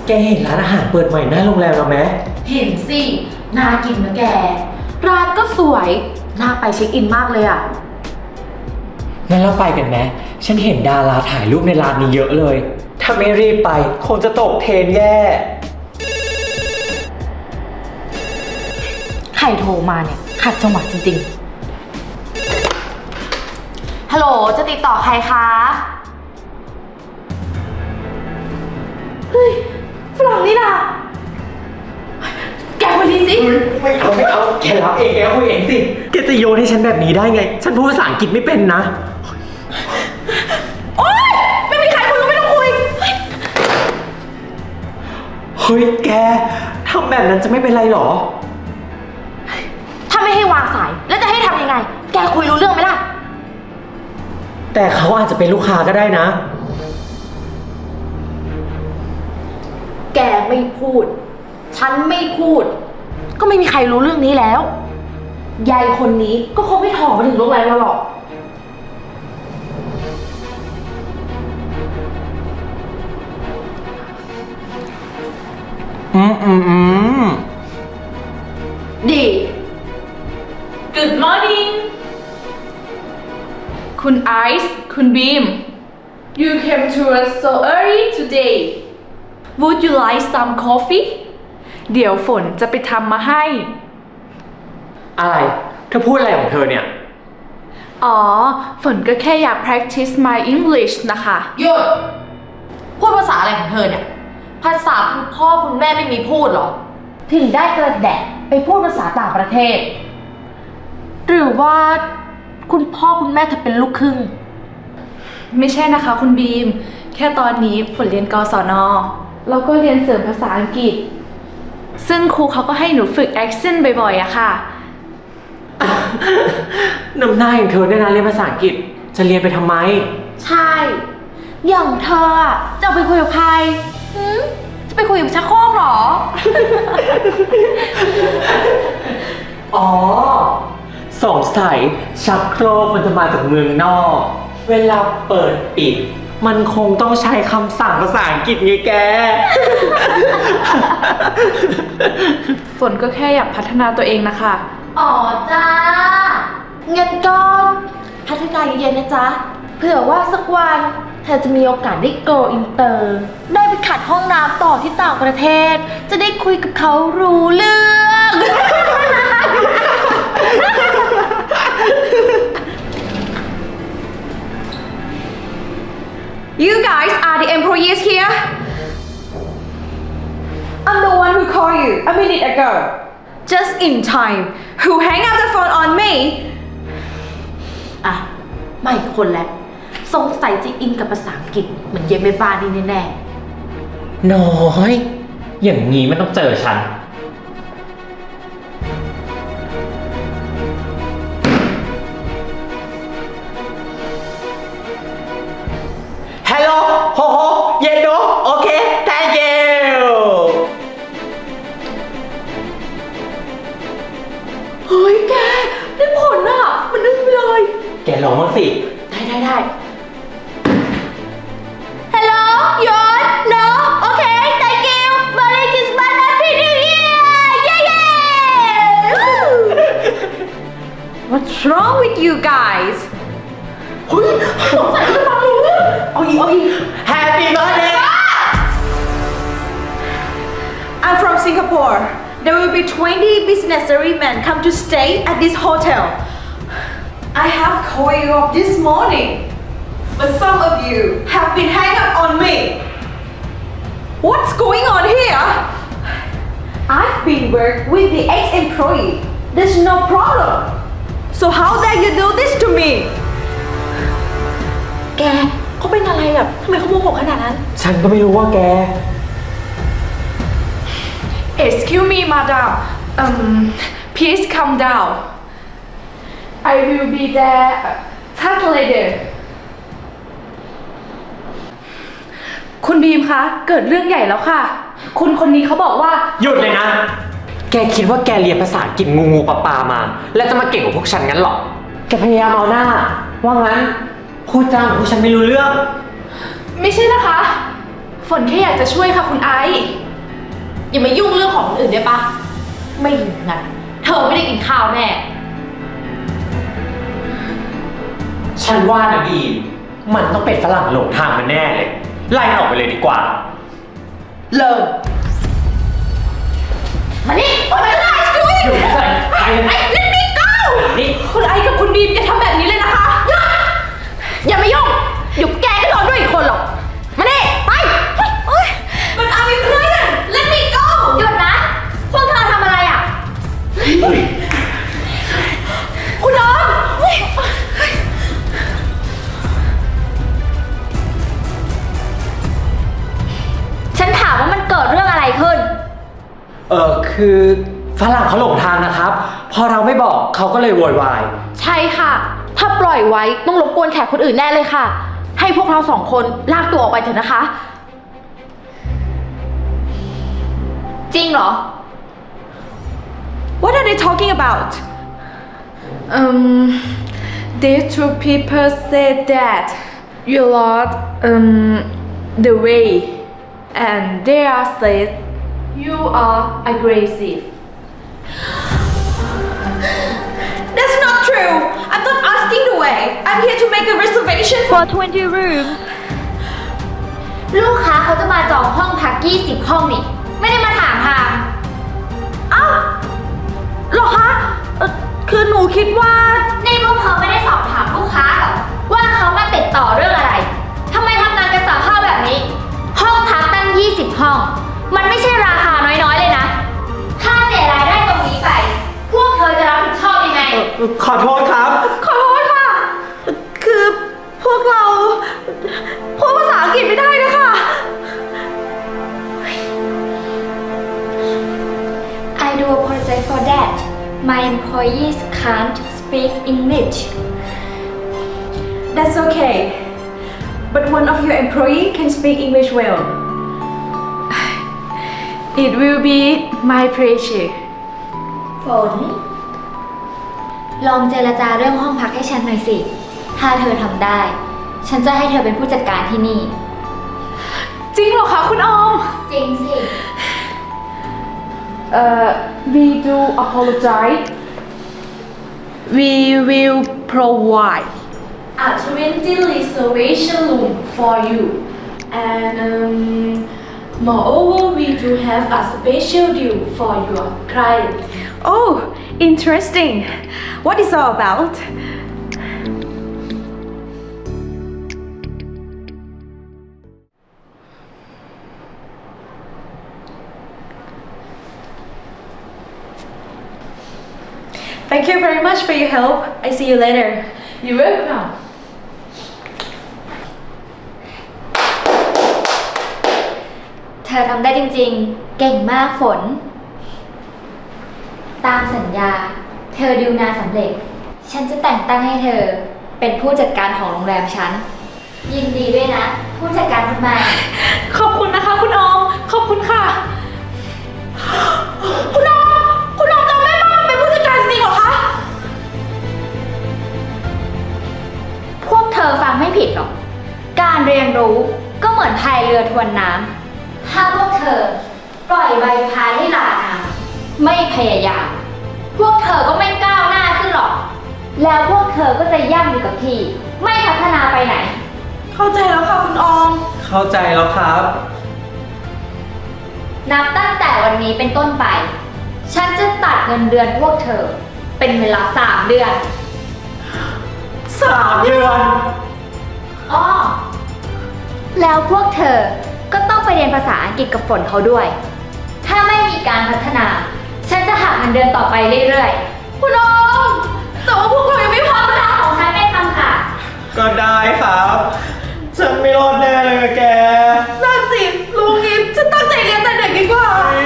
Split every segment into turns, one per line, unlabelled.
แกเห็นร้านอาหารเปิดใหม่หน้าโรงแรมเราไหม
เห็นสิ น่ากินนะแก ร้านก็สวย น่าไปเช็คอินมากเลยอ่ะ
งั้นเราไปกันไหมฉันเห็นดาราถ่ายรูปในร้านนี้เยอะเลย ถ้าไม่รีบไปคงจะตกเทรนแย่
ใครโทรมาเนี่ยขัดจังหวะจริงๆ ฮัลโหล จะติดต่อใครคะ เฮ้ย ฝรั่งนี่นะแกคุยดีสิ
ไม่เอาแกรับเองแกคุยเองสิแกจะโยนให้ฉันแบบนี้ได้ไง ฉันพูดภาษาอังกฤษไม่เป็นนะ
โอ๊ย ไม่มีใครคุยก็ไม่ต้องคุย
เฮ้ยแกทำแบบนั้นจะไม่เป็นไรหรอ
ถ้าไม่ให้วางสาย แล้วจะให้ทำยังไง แกคุยรู้เรื่องไหมล่ะ
แต่เขาอาจจะเป็นลูกค้าก็ได้นะ
แกไม่พูด ฉันไม่พูด ก็ไม่มีใครรู้เรื่องนี้แล้ว ยายคนนี้ก็คงไม่ถอมาถึงโรงแรมเราหรอก ดี
Good morning คุณไอซ์คุณบีม You came to us so early today Would you like some coffee เดี๋ยวฝนจะไปทำมาให้
อะไรเธอพูดอะไรของเธอเนี่ย
อ๋อ ฝนก็แค่อยาก practice my English นะคะ
หยุด พูดภาษาอะไรของเธอเนี่ย ภาษาคุณพ่อคุณแม่ไม่มีพูดหรอ ถึงได้กระแดะไปพูดภาษาต่างประเทศ หรือว่าคุณพ่อคุณแม่เธอเป็นลูกครึ่ง
ไม่ใช่นะคะคุณบีม แค่ตอนนี้ฝนเรียนกศนแล้วก็เรียนเสริมภาษาอังกฤษ ซึ่งครูเขาก็ให้หนูฝึก accent บ่อยๆอะค่ะ
น้ำหน้าอย่างเธอเนี่ยนะเรียนภาษาอังกฤษจะเรียนไปทำไม
ใช่ อย่างเธออะจะเอาไปคุยกับใครจะไปคุยกับชักโครกเหรอ
อ๋อสงสัยชักโครกมันจะมาจากเมืองนอก เวลาเปิดปิด มันคงต้องใช้คำสั่งภาษาอังกฤษไงแก
ฝนก็แค่อยากพัฒนาตัวเองนะคะ
อ๋อจ้างั้นก็พัฒนาเย็นๆนะจ๊ะ เผื่อว่าสักวันเธอจะมีโอกาสได้ go inter ได้ไปขัดห้องน้ำต่อที่ต่างประเทศ จะได้คุยกับเขารู้เรื่อง
You guys are the employees here? I'm the one who called you a minute ago. Just in time. Who hang up the phone on me?
อ่ะไม่คนแล้วสงสัยจะอินกับภาษาอังกฤษเหมือนเย็นแม่บ้านนี่แน่ๆ
น้อย อย่างนี้มันต้องเจอฉัน ฮัลโหลโฮโฮเย็นโนโอเค thank you
เฮ้ยแก ได้ผลอ่ะ มันอึ้งไปเลย
แกลองมางสิ
ได้ Hello ยศ No Okay Thank you Merry Christmas Happy New Year Yeah
What's wrong with you guys?
เฮ้ยสงสัยจะฟังรู้เรื่องเอาอีก
Happy birthday
I'm from Singapore. There will be 20 business servicemen come to stay at this hotel. I have called you up this morning, but some of you have been hang up on me. What's going on here? I've been worked with the ex-employee. There's no problem. So how dare you do this to me?
แกเขาเป็นอะไรอ่ะทำไมเขาโมโหขนาดนั้น
ฉันก็ไม่รู้ว่าแก
Excuse me madam please come down I will be there later คุณบีมคะ เกิดเรื่องใหญ่แล้วค่ะ คุณคนนี้เขาบอกว่า
หยุดเลยนะ แกคิดว่าแกเรียนภาษาอังกฤษงูปลามา แล้วจะมาเก่งกว่าพวกฉันงั้นหรอ แกพยายามเอาหน้า ว่างั้นพูดจาของพวกฉันไม่รู้เรื่อง
ไม่ใช่นะคะ ฝฝนแค่อยากจะช่วยค่ะคุณไอซ์
อย่ามายุ่งเรื่องของคนอื่นได้ปะไม่อย่างนั้นเธอไม่ได้กินข้าวแน่
ฉันว่านะบีมมันต้องเป็นฝรั่งหลงทางมันแน่เลย ไล่มันออกไปเลยดีกว่า
เริ่ม
มานี่มาเลย
อยู่ใส่ไปเลย
Let me go
นี่
คุณไอซ์กับคุณบีมอย่าทำแบบนี้เลยนะคะ
อย่ามายุ่งเดี๋ยวแกก็โดนด้วยอีกคนหรอก มานี่ไปเฮ้ย
But I'm in prison Let me go
หยุดนะ พวกเธอทำอะไรอ่ะ คุณน้องฉันถามว่ามันเกิดเรื่องอะไรขึ้น
คือฝรั่งเขาหลงทางนะครับ พอเราไม่บอกเขาก็เลยโวยวาย
ใช่ค่ะ ถ้าปล่อยไว้ต้องรบกวนแขกคนอื่นแน่เลยค่ะ ให้พวกเราสองคนลากตัวออกไปเถอะนะคะ จริงเหรอ
What are they talking about
These two people said that you lost the way and they are said you are aggressive.
That's not true I'm not asking the way I'm here to make a reservation for 20 rooms
ลูกค้าเขาจะมาจองห้องพัก 20 ห้องนี่ ไม่ได้มาถามทาง
อ้าวเหรอคะคือหนูคิดว่า
นี่พวกเธอไม่ได้สอบถามลูกค้าหรอว่าเขามาติดต่อเรื่องอะไร ทำไมทำงานกันสามภาพแบบนี้ ห้องพักตั้ง 20 ห้อง มันไม่ใช่ราคาน้อยๆเลยนะ ถ้าเสียรายได้ตรงนี้ไป พวกเธอจะรับผิดชอบยังไง
ขอโทษครับ
ขอโทษค่ะ คือพวกเราพูดภาษาอังกฤษไม่ได้นะคะ
I do apologize for that. My employees can't speak English.
That's okay but one of your employee can speak English well
It will be my pleasure.
ฝน ลองเจรจาเรื่องห้องพักให้ฉันหน่อยสิ ถ้าเธอทำได้ ฉันจะให้เธอเป็นผู้จัดการที่นี่
จริงเหรอคะคุณออม
จริงสิ
We do apologize. We will provide a 20 reservation room for you. And moreover, we do have a special deal for your client.
Oh interesting What is all about Thank you very much for your help I see you later
You're welcome.
เธอทำได้จริงๆ เก่งมากฝน ตามสัญญา เธอดิวงานสำเร็จ ฉันจะแต่งตั้งให้เธอ เป็นผู้จัดการของโรงแรมฉัน ยินดีด้วยนะ ผู้จัดการคนใหม่
ขอบคุณนะคะคุณออม ขอบคุณค่ะ
คุณน้องจำได้ป่ะเป็นผู้จัดการจริงเหรอคะ พวกเธอฟังไม่ผิดหรอก การเรียนรู้ก็เหมือนพายเรือทวนน้ำ ถ้าพวกเธอปล่อยใบพายให้ลาน้ำไม่พยายาม พวกเธอก็ไม่ก้าวหน้าขึ้นหรอก แล้วพวกเธอก็จะย่ำอยู่กับที่ ไม่พัฒนาไปไหน
เข้าใจแล้วค่ะคุณออม
เข้าใจแล้วครับ
นับตั้งแต่วันนี้เป็นต้นไป ฉันจะตัดเงินเดือนพวกเธอ เป็นเวลา 3 เดือน
3 เดือน
อ้อแล้วพวกเธอก็ต้องไปเรียนภาษาอังกฤษกับฝนเขาด้วย ถ้าไม่มีการพัฒนา ฉันจะหักเงินเดือนต่อไปเรื่อยๆ คุณน้องแต่ว่าพวกเรายังไม่พร้อมนะของฉันไม่ทำค่ะ
ก็ได้ครับ ฉันไม่รอดแน่เลยอะแก
นั่นสิลุงอิฟฉันตั้งใจเรียนแต่เด็กดีกว่า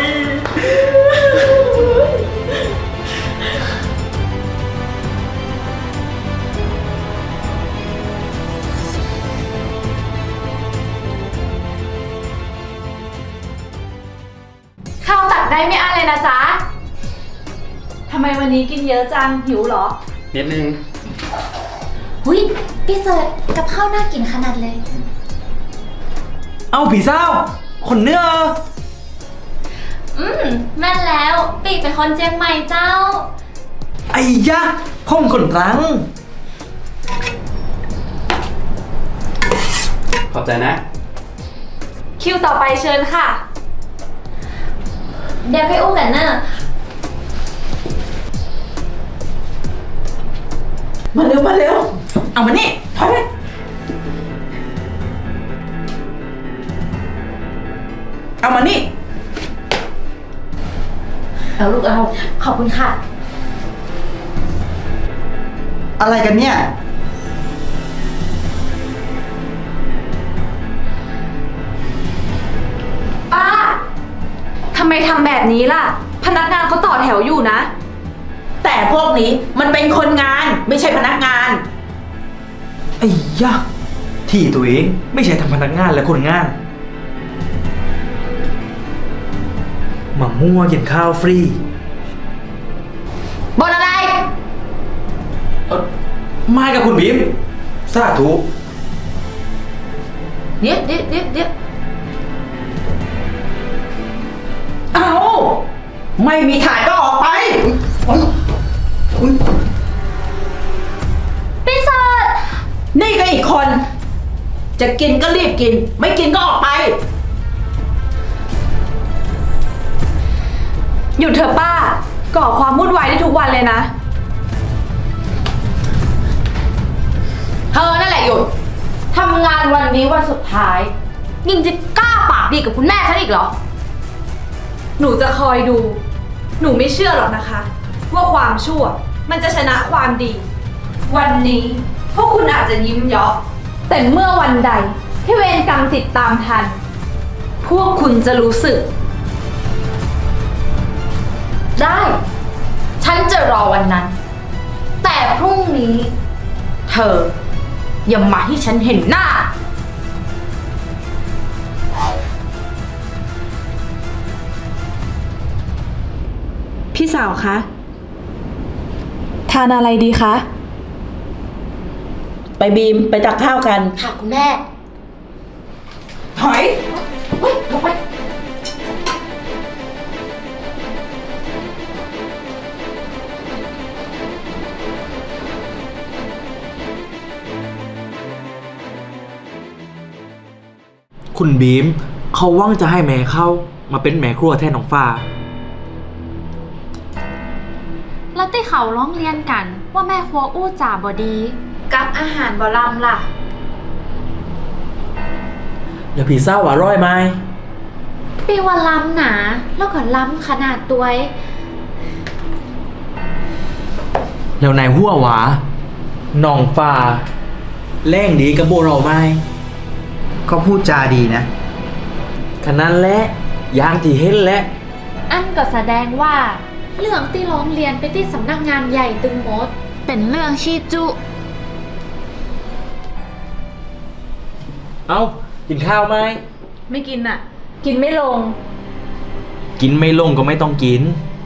ข้าวตักได้ไม่อั้นเลยนะจ๊ะ ทำไมวันนี้กินเยอะจัง หิวเหรอ
นิดนึง
หุ้ยพี่เสิร์ชกับข้าวน่ากินขนาดเลย
เอ้าผีเศร้าคนเนื้อ
แม่นแล้วปีเป็นคนเจียงใหม่เจ้า
ไอ้ยะพ่อมคนตรัง
ขอบใจนะ
คิวต่อไปเชิญค่ะ
เดี๋ยวไปอู้กันเนอะ
มาเร็วมาเร็ว เอามานี่ถอยไปเอามานี่
เอาลูกเอา ขอบคุณค่ะ
อะไรกันเนี่ย
ป้า ทำไมทำแบบนี้ล่ะ พนักงานเขาต่อแถวอยู่นะ
แต่พวกนี้มันเป็นคนงานไม่ใช่พนักงาน
ไอ้ยะที่ตัวเองไม่ใช่ทำพนักงานและคนงานมามั่วกินข้าวฟรี
บนอะไร
ไม่กับคุณบีมสาธุ
เดี๋ยวเดี๋ยวเดี๋ยวเดี๋ยว
เอาไม่มีถ่ายก็ออกไป
พี่สด
นี่ก็อีกคน จะกินก็รีบกิน ไม่กินก็ออกไป
หยุดเถอะป้า ก่อความวุ่นวายได้ทุกวันเลยนะ
เธอนั่นแหละหยุดทำงานวันนี้วันสุดท้ายยังจะกล้าปากดีกับคุณแม่ฉันอีกเหรอ
หนูจะคอยดู หนูไม่เชื่อหรอกนะคะ ว่าความชั่วมันจะชนะความดี วันนี้พวกคุณอาจจะยิ้มเยาะแต่เมื่อวันใดที่เวรกรรมติดตามทัน พวกคุณจะรู้สึก
ได้ ฉันจะรอวันนั้น แต่พรุ่งนี้ เธอ อย่ามาให้ฉันเห็นหน้า
พี่สาวคะ ทานอะไรดีคะ
ไปบีมไปตักข้าวกัน
ค่ะคุณแม่
ถอย
เฮ้ยลงไป
คุณบีมเขาว่างจะให้แม่เข้ามาเป็นแม่ครัวแทนน้องฟ้า
แล้วที่เขาร้องเรียนกันว่าแม่ครัวอู้จ่าบอดี กับอาหารบอลำล่ะ
แล้วผีเศร้าอร่อยไหม
ปีว่าล้ำหนาแล้วก็ล้ำขนาดตัวเอง
แล้วนายหัวหวาน้องฟ้าแรงดีกับโบเราไหม
ก็พูดจาดีนะ
ขนาดและยางที่เห็นและ
อันก็แสดงว่า เรื่องที่ร้องเรียนไปที่สำนักงานใหญ่ตึงมด เป็นเรื่องชีจุ
เอ้า กินข้าวไหม
ไม่กินอ่ะ กินไม่ลง
กินไม่ลงก็ไม่ต้องกิน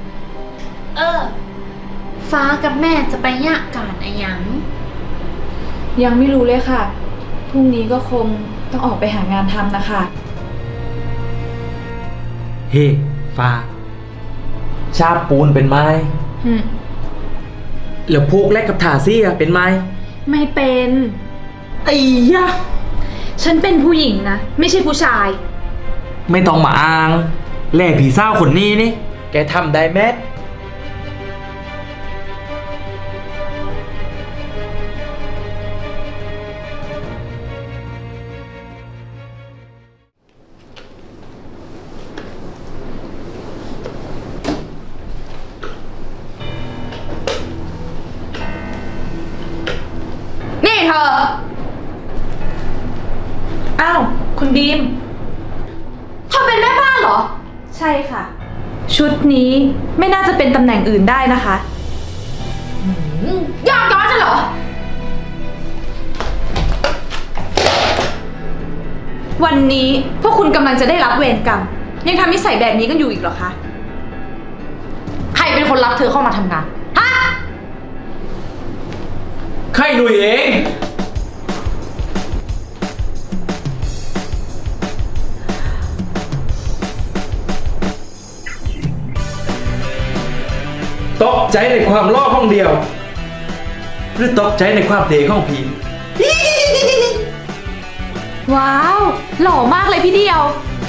ฟ้ากับแม่จะไปยะการอะหยัง
ยังไม่รู้เลยค่ะ พรุ่งนี้ก็คงต้องออกไปหางานทำนะคะ
เฮ้ฟ้า ชาบปูนเป็นไหม แล้วพวกแลกกับถาซี่อะเป็นไหม
ไม่เป็น
ไอ้ยะ
ฉันเป็นผู้หญิงนะ ไม่ใช่ผู้ชาย
ไม่ต้องมาอ้างแล่ผีเศร้าคนนี้นี่ แกทำได้แม้
นี่เธอ
อ้าว คุณบีม
เธอเป็นแม่บ้านเหรอ
ใช่ค่ะ ชุดนี้ไม่น่าจะเป็นตำแหน่งอื่นได้นะคะ
ยากย้อนฉันเหรอ
วันนี้พวกคุณกำลังจะได้รับเวรกรรม ยังทำนิสัยแบบนี้กันอยู่อีกเหรอคะ
ใครเป็นคนรับเธอเข้ามาทำงาน ฮะ
ใครหนุ่ยเองใจในความล่อห้องเดียว หรือตกใจในความเทของผี
ว้าว หล่อมากเลยพี่เดียว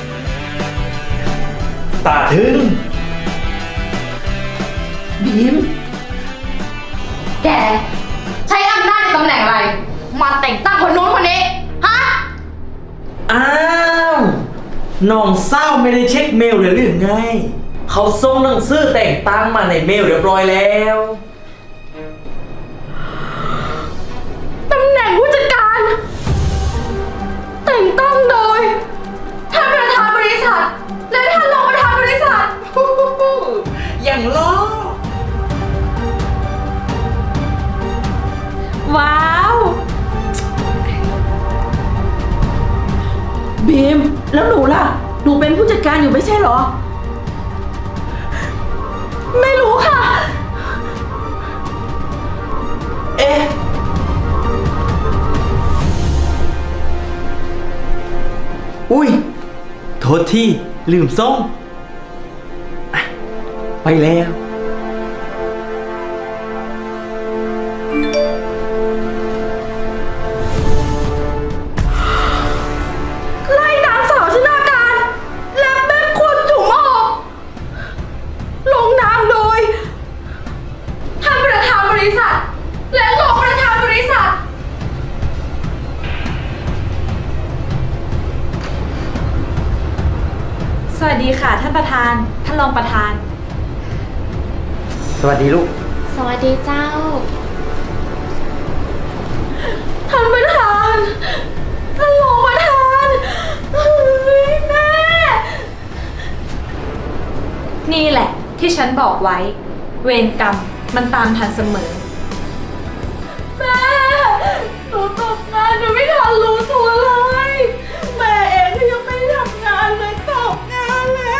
ตาถึง
บีม
แก ใช้อำนาจในตำแหน่งอะไร มาแต่งตั้งคนนู้นคนนี้ ฮะ
อ้าวน้องเศร้าไม่ได้เช็คเมลเลยหรือไง เขาส่งหนังสือแต่งตั้งมาในเมลเรียบร้อยแล้ว
ตำแหน่งผู้จัดการ แต่งตั้งโดยท่านประธานบริษัท และท่านรองประธานบริษัท
อย่างล้อ
ว้าว
บีม แล้วหนูล่ะ หนูเป็นผู้จัดการอยู่ไม่ใช่เหรอ
ไม่รู้ค่ะ
เอ๊ะ อุ้ย โทษที่ลืมส่งอ่ะไปแล้ว
ไล่นางสาวชนาการ และแม่คุณถุงออกลงนามโดย ท่านประธานบริษัท และรองประธานบริษัท
สวัสดีค่ะท่านประธาน ท่านรองประธาน
สวัสดีลูก
สวัสดีเจ้า
ท่านประธาน ท่านรองประธานเฮ้ยแม่
นี่แหละที่ฉันบอกไว้ เวรกรรมมันตามทันเสมอ
แม่หนูตกงานหนูไม่ทันรู้ตัวเลย แม่เองก็ยังไม่ทำงานเลยตกงานแล้ว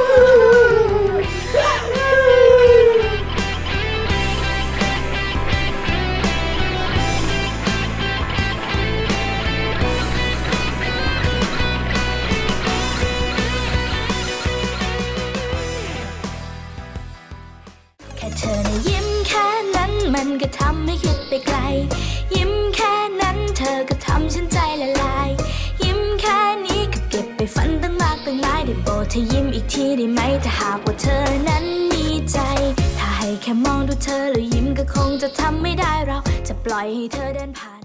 แค่เธอนะยิ้มแค่นั้นมันก็ทำให้คิดไปไกล ยิ้มแค่นั้นเธอก็ทำฉันใจละลาย ยิ้มแค่นี้ก็เก็บไปฝันตั้งมากตั้งหลายได้โปรดเธอยิ้มอีกทีได้ไหมถ้าหากว่าเธอนั้นมีใจ ถ้าให้แค่มองดูเธอแล้วยิ้มก็คงจะทำไม่ได้เราจะปล่อยให้เธอเดินผ่าน